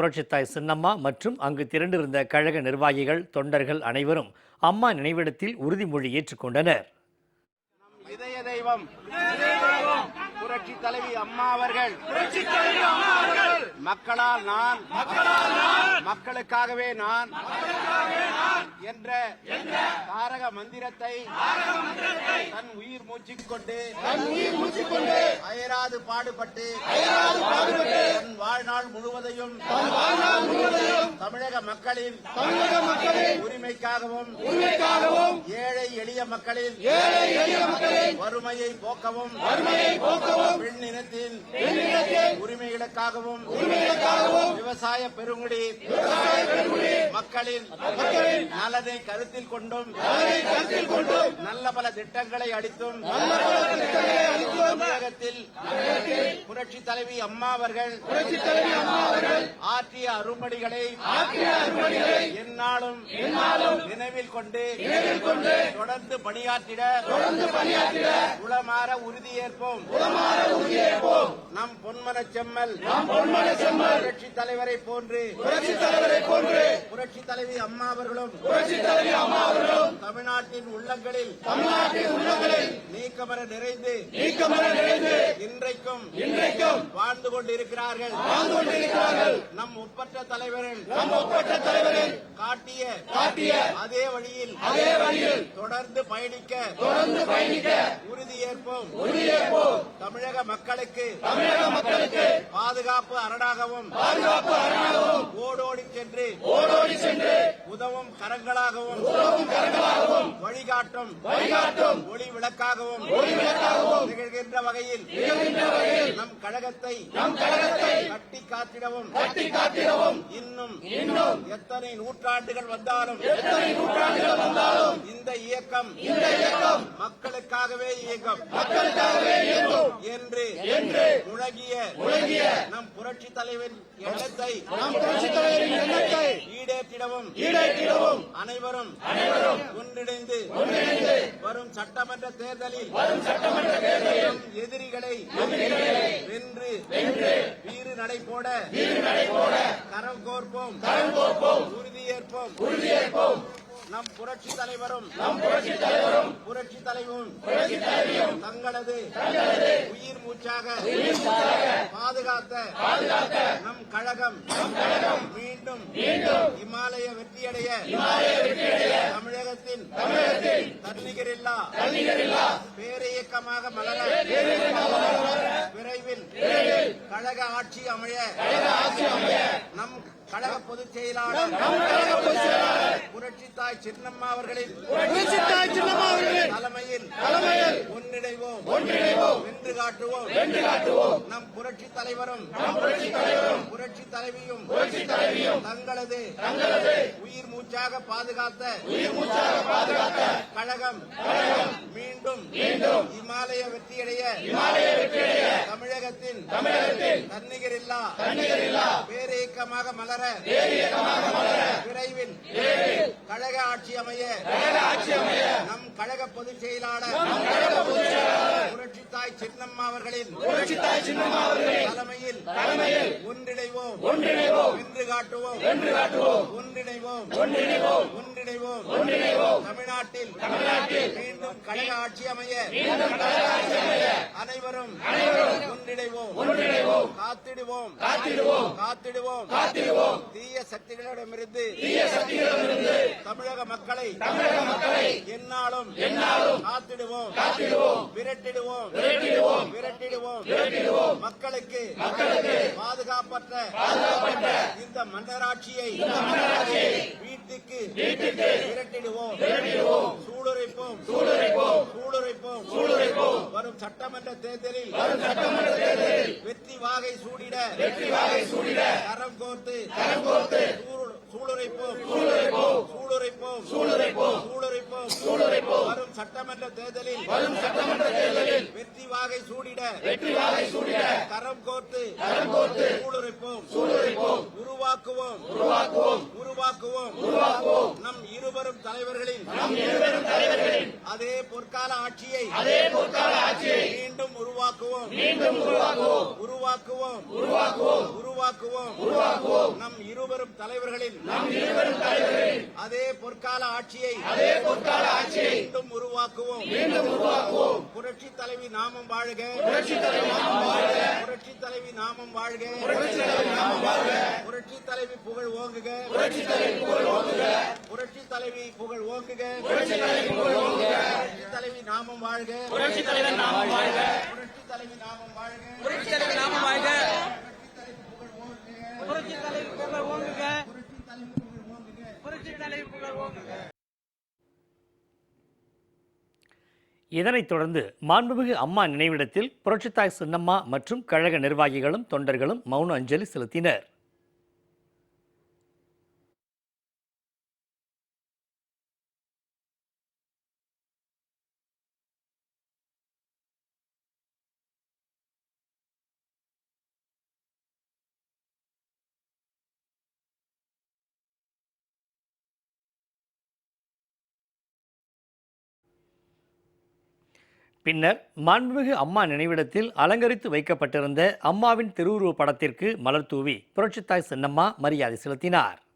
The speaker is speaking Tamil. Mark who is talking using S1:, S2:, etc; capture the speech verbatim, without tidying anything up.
S1: புரட்சித்தாய் சின்னம்மா மற்றும் அங்கு திரண்டிருந்த கழக நிர்வாகிகள், தொண்டர்கள் அனைவரும் அம்மா நினைவிடத்தில் உறுதிமொழி ஏற்றுக்கொண்டனர்.
S2: இதய தெய்வம் புரட்சி தலைவி அம்மா அவர்கள் மக்களால் நான் மக்களுக்காகவே நான் என்ற தாரக மந்திரத்தை தன் உயிர் மூச்சிக் கொண்டு அயராது பாடுபட்டு தன் வாழ்நாள் முழுவதையும் தமிழக மக்களின் உரிமைக்காகவும் ஏழை எளிய மக்களின் வறுமையை போக்கவும் பெண் இனத்தின் உரிமைகளுக்காகவும் விவசாய பெருங்குடி மக்களின் நலனை கருத்தில் கொண்டும் நல்ல பல திட்டங்களை அளித்தும் தமிழகத்தில் புரட்சி தலைவி அம்மா அவர்கள் ஆற்றிய அரும்பணிகளை எந்நாளும் நினைவில் கொண்டு தொடர்ந்து பணியாற்றிட உளமாற உறுதியேற்போம். நம் பொன்மன செம்மல் புரட்சி தலைவரை போன்று புரட்சி தலைவி அம்மா அவர்களும் தமிழ்நாட்டின் உள்ளங்களில் நீக்கமர நிறைந்து இன்றைக்கும் வாழ்ந்து கொண்டிருக்கிறார்கள். நம் ஒப்பற்ற தலைவர்கள் காட்டிய அதே வழியில் தொடர்ந்து பயணிக்க உறுதியேற்போம். தமிழக மக்களுக்கு பாதுகாப்பு அரணாகவும் ஓடோடி சென்று உதவும் கரங்களாகவும் வழிகாட்டும் ஒளி விளக்காகவும் திகழ்கின்ற வகையில் நம் கழகத்தை கட்டி காத்திடவும் இன்னும் எத்தனை நூற்றாண்டுகள் வந்தாலும் இந்த இயக்கம் மக்களுக்காகவே இயக்கம் என்று முழங்கிய நம் புரட்சி தலைவரின் எண்ணத்தை ஈடேற்றிடவும் அனைவரும் ஒன்றிணைந்து வரும் சட்டமன்ற தேர்தலில் எதிரிகளை வென்று வீறு நடை போட கரம் கோர்ப்போம், உறுதியேற்போம். நம் புரட்சி தலைவரும் புரட்சி தலைவரும் தங்களது உயிர் மூச்சாக பாதுகாத்த நம் கழகம் மீண்டும் இமாலய வெற்றியடைய தமிழகத்தின் தன்னிகரில்லா பேரியக்கமாக மலர விரைவில் கழக ஆட்சி அமைய நம் கழக பொதுச் செயலாளர் புரட்சித்தாய் சின்னம்மா அவர்களின் தலைமையில் ஒன்றிணைவோம், வென்று காட்டுவோம். நம் புரட்சி தலைவரும் புரட்சி தலைவியும் தங்களது உயிர் மூச்சாக பாதுகாத்த கழகம் மீண்டும் இமாலய வெற்றியடைய தமிழகத்தின் தன்னிகரில்லா பேரியக்கமாக மலர விரைவில் கழக ஆட்சி அமைய நம் கழக பொதுச் செயலாளர் புரட்சித்தாய் சின்னம்மா அவர்களின் தலைமையில் ஒன்றிணைவோம், வென்று காட்டுவோம். ஒன்றிணைவோம், தமிழ்நாட்டில் மீண்டும் கழக ஆட்சி அமைய அனைவரும் ஒன்றிணைவோம், காத்திடுவோம் தீய சக்திகளிடமிருந்து தமிழக மக்களை எந்நாளும் காத்திடுவோம், விரட்டிடுவோம். மக்களுக்கு பாதுகாப்பற்ற இந்த மன்னராட்சியை வீட்டுக்கு விரட்டிடுவோம், சூடுரைப்போம். வரும் சட்டமன்ற தேர்தலில் வெற்றி வாகை சூடிட கரம் கோர்த்து சூளுரைப்போம். வரும் சட்டமன்ற தேர்தலில் வெற்றி வாகை சூடிட கரம் கோர்த்து சூளுரைப்போம். உருவாக்குவோம் உருவாக்குவோம் நம் இருவரும் தலைவர்களின் அதே பொற்கால ஆட்சியை மீண்டும் உருவாக்குவோம் உருவாக்குவோம் உருவாக்குவோம் நம் இருவரும் தலைவர்களின் அதே பொற்கால ஆட்சியை மீண்டும் உருவாக்குவோம் புரட்சி தலைவி நாமம் வாழ்க புரட்சி தலைவி நாமம் வாழ்க புரட்சி தலைவி புகழ் ஓங்குக புரட்சி தலைவி புகழ் ஓங்குக புரட்சி தலைவி நாமம் வாழ்க புரட்சி தலைவி நாமம் வாழ்க புரட்சி தலைவி நாமம் வாழ்க புரட்சி தலைவி நாமம் வாழ்க புரட்சி தலைவி புகழ் ஓங்குக புரட்சி தலைவி புகழ் ஓங்குக.
S1: இதனைத் தொடர்ந்து மாண்புமிகு அம்மா நினைவிடத்தில் புரட்சித்தாய் சின்னம்மா மற்றும் கழக நிர்வாகிகளும் தொண்டர்களும் மௌன அஞ்சலி செலுத்தினர். பின்னர் மாண்புமிகு அம்மா நினைவிடத்தில் அலங்கரித்து வைக்கப்பட்டிருந்த அம்மாவின் திருவுருவப் படத்திற்கு மலர் தூவி புரட்சித்தாய் சின்னம்மா மரியாதை செலுத்தினார்.